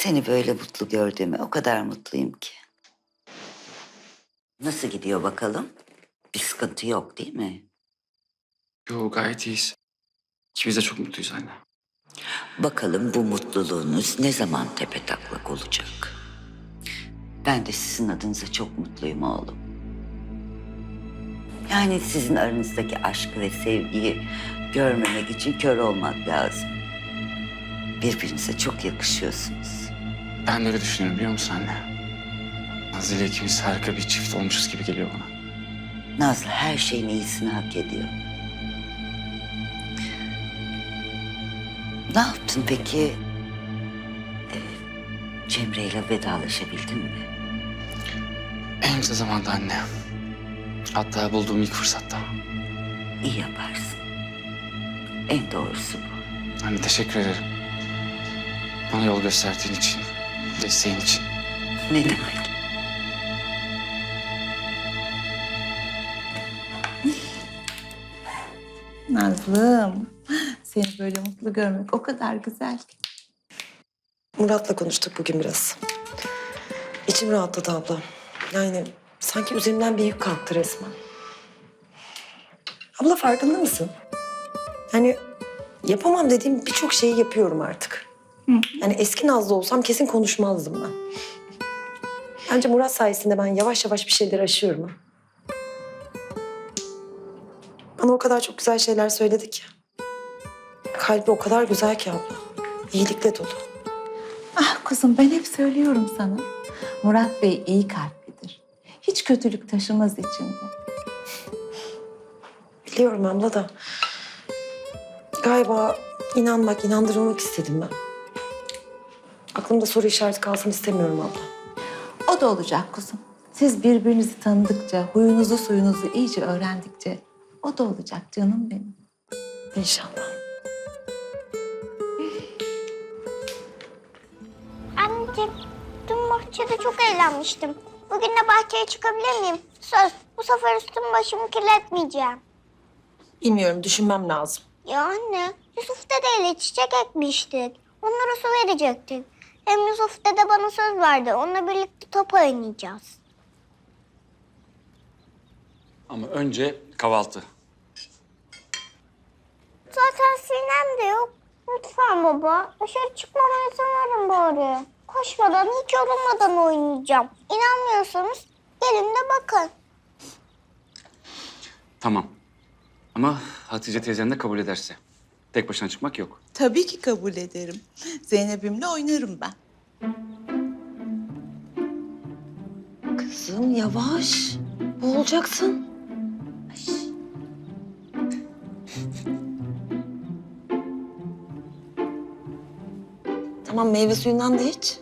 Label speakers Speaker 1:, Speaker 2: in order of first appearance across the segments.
Speaker 1: Seni böyle mutlu gördüğüme o kadar mutluyum ki. Nasıl gidiyor bakalım? Bir sıkıntı yok değil mi?
Speaker 2: Yo, gayet iyiyiz. İkimiz de çok mutluyuz anne.
Speaker 1: Bakalım bu mutluluğunuz ne zaman tepetaklak olacak? Ben de sizin adınıza çok mutluyum oğlum. Yani sizin aranızdaki aşkı ve sevgiyi görmemek için kör olmak lazım. Birbirinize çok yakışıyorsunuz.
Speaker 2: Ben de öyle düşünüyorum biliyor musun anne? Nazlı ile ikimiz harika bir çift olmuşuz gibi geliyor bana.
Speaker 1: Nazlı her şeyin iyisini hak ediyor. Ne yaptın peki? Cemre ile vedalaşabildin mi?
Speaker 2: En kısa zamanda anne. Hatta bulduğum ilk fırsatta.
Speaker 1: İyi yaparsın. En doğrusu bu.
Speaker 2: Anne teşekkür ederim. Bana yol gösterdiğin için, desteğin için.
Speaker 1: Ne demek?
Speaker 3: Nazlım, seni böyle mutlu görmek o kadar güzel ki.
Speaker 4: Murat'la konuştuk bugün biraz. İçim rahatladı abla. Yani sanki üzerimden bir yük kalktı resmen. Abla farkında mısın? Yani yapamam dediğim birçok şeyi yapıyorum artık. Yani eski Nazlı olsam kesin konuşmazdım ben. Bence Murat sayesinde ben yavaş yavaş bir şeyler aşıyorum. Ha. Bana o kadar çok güzel şeyler söyledi ki. Kalbi o kadar güzel ki abla. İyilikle dolu.
Speaker 3: Ah kuzum ben hep söylüyorum sana. Murat Bey iyi kalplidir. Hiç kötülük taşımaz içinde.
Speaker 4: Biliyorum abla da galiba inanmak, inandırılmak istedim ben. Aklımda soru işareti kalsın istemiyorum abla.
Speaker 3: O da olacak kuzum. Siz birbirinizi tanıdıkça, huyunuzu suyunuzu iyice öğrendikçe o da olacak canım benim.
Speaker 4: İnşallah.
Speaker 5: Anneciğim, dün bahçede çok eğlenmiştim. Bugün de bahçeye çıkabilir miyim? Söz, bu sefer üstümü başımı kirletmeyeceğim.
Speaker 4: Bilmiyorum, düşünmem lazım.
Speaker 5: Ya anne, Yusuf dedeyle çiçek ekmiştik. Onlara su verecektik. Hem Yusuf dede bana söz verdi. Onunla birlikte top oynayacağız.
Speaker 2: Ama önce kahvaltı.
Speaker 5: Zaten Sinem de yok. Lütfen baba, dışarı çıkmama izin verin bari. Koşmadan, hiç yorulmadan oynayacağım. İnanmıyorsanız gelin de bakın.
Speaker 2: Tamam. Ama Hatice teyzen de kabul ederse. Tek başına çıkmak yok.
Speaker 6: Tabii ki kabul ederim. Zeynep'imle oynarım ben.
Speaker 4: Kızım yavaş. Boğulacaksın. Tamam, meyve suyundan da iç.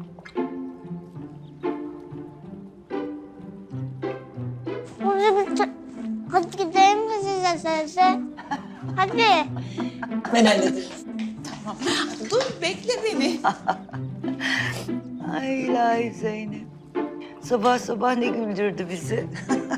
Speaker 5: Hadi gidelim mi size sese? Hadi.
Speaker 4: Ben hallederim.
Speaker 6: Tamam. Dur bekle beni.
Speaker 1: Ay ilahi Zeynep. Sabah sabah ne güldürdü bizi.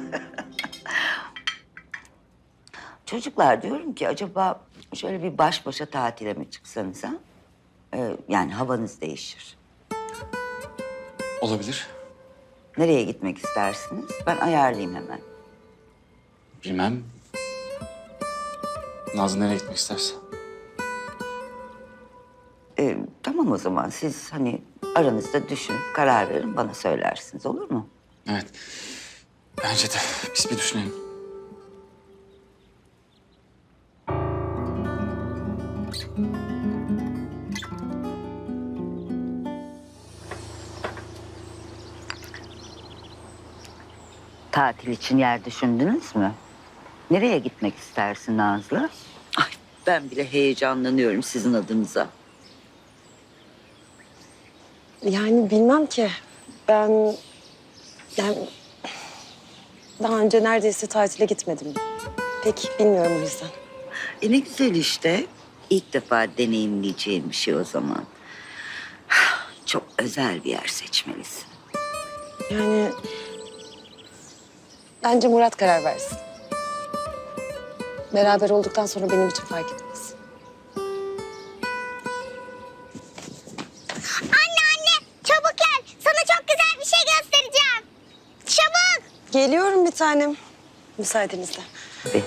Speaker 1: Çocuklar diyorum ki acaba şöyle bir baş başa tatile mi çıksanız ha? Yani havanız değişir.
Speaker 2: Olabilir.
Speaker 1: Nereye gitmek istersiniz? Ben ayarlayayım hemen.
Speaker 2: Bilmem. Nazlı nereye gitmek isterse.
Speaker 1: Tamam o zaman siz hani aranızda düşünüp karar verin bana söylersiniz olur mu?
Speaker 2: Evet. Bence de. Biz bir düşünelim.
Speaker 1: Tatil için yer düşündünüz mü? Nereye gitmek istersin Nazlı? Ay ben bile heyecanlanıyorum sizin adınıza.
Speaker 4: Yani bilmem ki. Ben... Yani... Daha önce neredeyse tatile gitmedim. Pek bilmiyorum o yüzden.
Speaker 1: Ne güzel işte. İlk defa deneyimleyeceğim bir şey o zaman. Çok özel bir yer seçmelisin.
Speaker 4: Yani... Bence Murat karar versin. Beraber olduktan sonra benim için fark etmez.
Speaker 5: Anne
Speaker 4: Geliyorum bir tanem. Müsaadenizle.
Speaker 1: Tabii.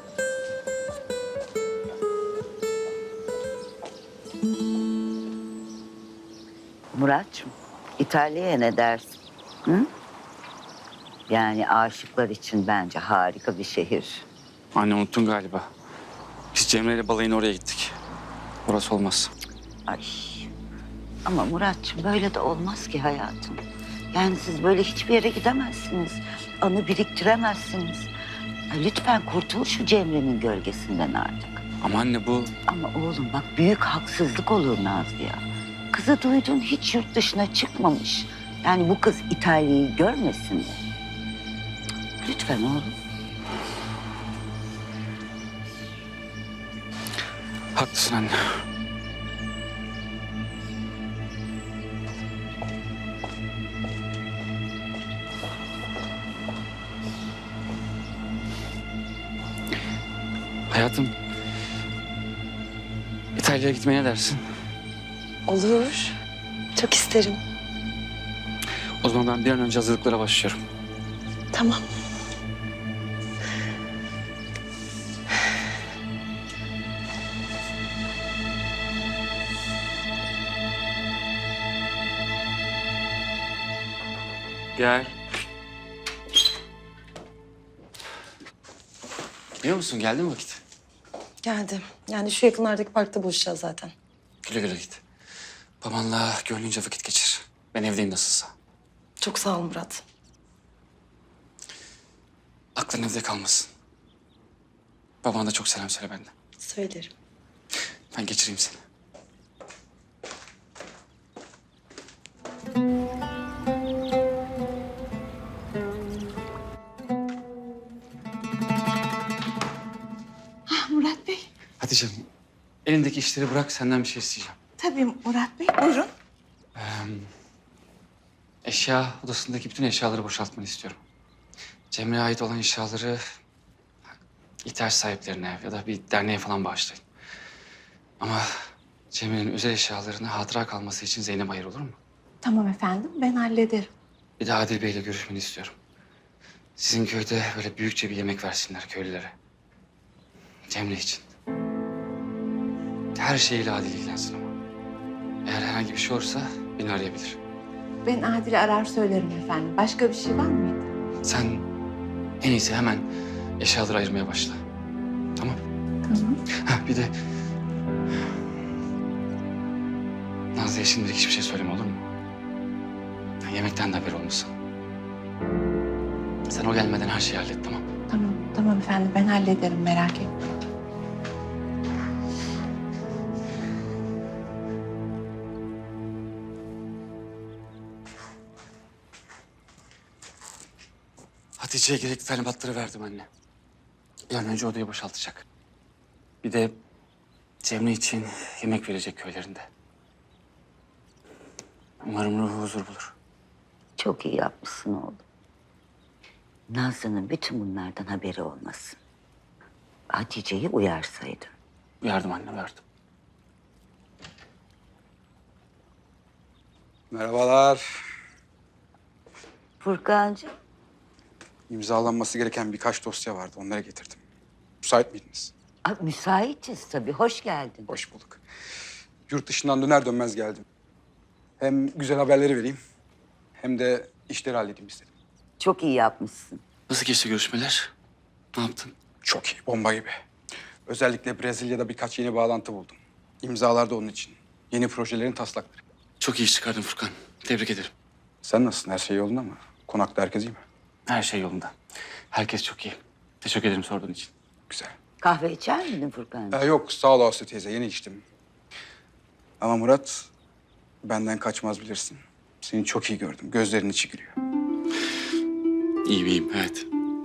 Speaker 1: Muratçım, İtalya'ya ne dersin? Hı? Yani aşıklar için bence harika bir şehir.
Speaker 2: Anne unuttun galiba. Biz Cemre ile balayına oraya gittik. Orası olmaz.
Speaker 1: Ay. Ama Muratçım böyle de olmaz ki hayatım. Yani siz böyle hiçbir yere gidemezsiniz. Anı biriktiremezsiniz. Ya lütfen kurtul şu Cemre'nin gölgesinden artık.
Speaker 2: Ama anne bu...
Speaker 1: Ama oğlum bak büyük haksızlık olur Nazlı ya. Kızı duydun hiç yurt dışına çıkmamış. Yani bu kız İtalya'yı görmesin mi? Lütfen oğlum.
Speaker 2: Haklısın anne. Hayatım, İtalya'ya gitmeye ne dersin?
Speaker 4: Olur. Çok isterim.
Speaker 2: O zaman ben bir an önce hazırlıklara başlıyorum.
Speaker 4: Tamam.
Speaker 2: Gel. Biliyor musun geldi mi vakit?
Speaker 4: Geldim. Yani şu yakınlardaki parkta buluşacağız zaten.
Speaker 2: Güle güle git. Babanla gönlünce vakit geçir. Ben evdeyim nasılsa.
Speaker 4: Çok sağ ol Murat.
Speaker 2: Aklın evde kalmasın. Babana da çok selam söyle benden.
Speaker 4: Söylerim.
Speaker 2: Ben geçireyim seni.
Speaker 6: Murat Bey.
Speaker 2: Hadi canım. Elindeki işleri bırak senden bir şey isteyeceğim.
Speaker 6: Tabii Murat Bey. Buyurun.
Speaker 2: Eşya odasındaki bütün eşyaları boşaltmanı istiyorum. Cemre'ye ait olan eşyaları ihtiyaç sahiplerine ya da bir derneğe falan bağışlayın. Ama Cemre'nin özel eşyalarını hatıra kalması için Zeynep ayır olur mu?
Speaker 3: Tamam efendim, ben hallederim.
Speaker 2: Bir de Adil Bey'le görüşmeni istiyorum. Sizin köyde böyle büyükçe bir yemek versinler köylülere. Cemre için. Her şeyiyle Adil ilgilensin ama. Eğer herhangi bir şey olursa beni arayabilir.
Speaker 3: Ben Adil'i arar söylerim efendim. Başka bir şey var mıydı?
Speaker 2: Sen en iyisi hemen eşyaları ayırmaya başla. Tamam?
Speaker 3: Tamam.
Speaker 2: Ha, bir de Nazlı'ya şimdilik hiçbir şey söyleme olur mu? Ha, yemekten de haber olmasın. Sen o gelmeden her şeyi hallet tamam?
Speaker 3: Tamam, tamam efendim. Ben hallederim, merak etme.
Speaker 2: Hatice'ye gerekli talimatları verdim anne. Bir an önce odayı boşaltacak. Bir de Cemre için yemek verecek köylerinde. Umarım ruhu huzur bulur.
Speaker 1: Çok iyi yapmışsın oğlum. Nazlı'nın bütün bunlardan haberi olmasın. Hatice'yi uyarsaydın.
Speaker 2: Uyardım anne, uyardım.
Speaker 7: Merhabalar.
Speaker 1: Furkancığım,
Speaker 7: İmzalanması gereken birkaç dosya vardı. Onları getirdim. Müsait miydiniz?
Speaker 1: müsaitiz tabii. Hoş geldin.
Speaker 7: Hoş bulduk. Yurt dışından döner dönmez geldim. Hem güzel haberleri vereyim hem de işleri halledeyim istedim.
Speaker 1: Çok iyi yapmışsın.
Speaker 2: Nasıl geçti görüşmeler? Ne yaptın?
Speaker 7: Çok iyi, bomba gibi. Özellikle Brezilya'da birkaç yeni bağlantı buldum. İmzalar da onun için. Yeni projelerin taslakları.
Speaker 2: Çok iyi iş çıkardın Furkan. Tebrik ederim.
Speaker 7: Sen nasılsın? Her şey yolunda mı? Konakta herkes iyi mi?
Speaker 2: Her şey yolunda. Herkes çok iyi. Teşekkür ederim sorduğun için.
Speaker 7: Güzel.
Speaker 1: Kahve içer miydin Furkancığım?
Speaker 7: Yok, sağ ol Aslı teyze. Yeni içtim. Ama Murat, benden kaçmaz bilirsin. Seni çok iyi gördüm. Gözlerinin içi gülüyor.
Speaker 2: İyiyim, iyiyim. Evet.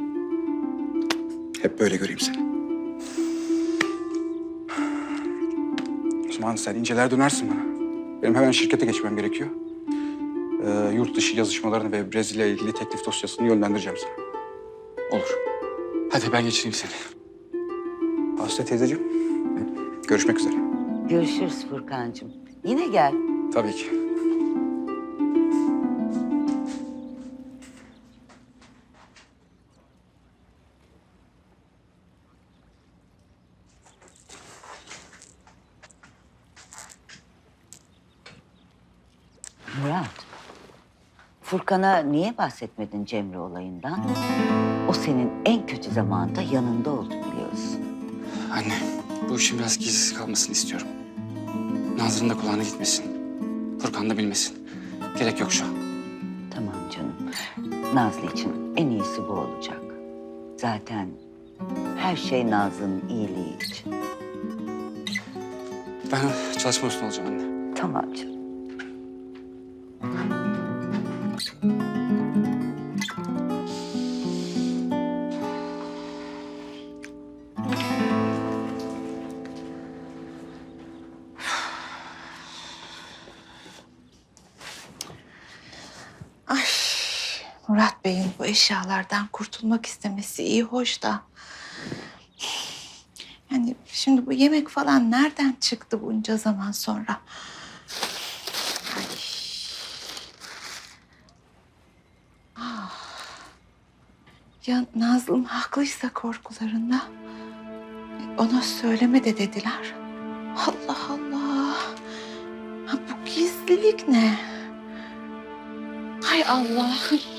Speaker 7: Hep böyle göreyim seni. O zaman sen inceler dönersin bana. Benim hemen şirkete geçmem gerekiyor. Yurt dışı yazışmalarını ve Brezilya ile ilgili teklif dosyasını yönlendireceğim sana.
Speaker 2: Olur. Hadi ben geçireyim seni.
Speaker 7: Aslı teyzeciğim, görüşmek üzere.
Speaker 1: Görüşürüz Furkancığım. Yine gel.
Speaker 7: Tabii ki.
Speaker 1: Murat, Furkan'a niye bahsetmedin Cemre olayından? O senin en kötü zamanda yanında oldu biliyorsun.
Speaker 2: Anne, bu işin biraz gizsiz kalmasını istiyorum. Nazlı'nın da kulağına gitmesin. Furkan da bilmesin. Gerek yok şu an.
Speaker 1: Tamam canım. Nazlı için en iyisi bu olacak. Zaten her şey Nazlı'nın iyiliği için.
Speaker 2: Ben çalışma üstüne olacağım anne.
Speaker 1: Tamam canım.
Speaker 3: Ay, Murat Bey'in bu eşyalardan kurtulmak istemesi iyi hoş da. Yani şimdi bu yemek falan nereden çıktı bunca zaman sonra? Ay. Ah. Ya Nazlım haklıysa korkularında ona söyleme de dediler. Allah Allah. Ha, bu gizlilik ne? Hay Allah.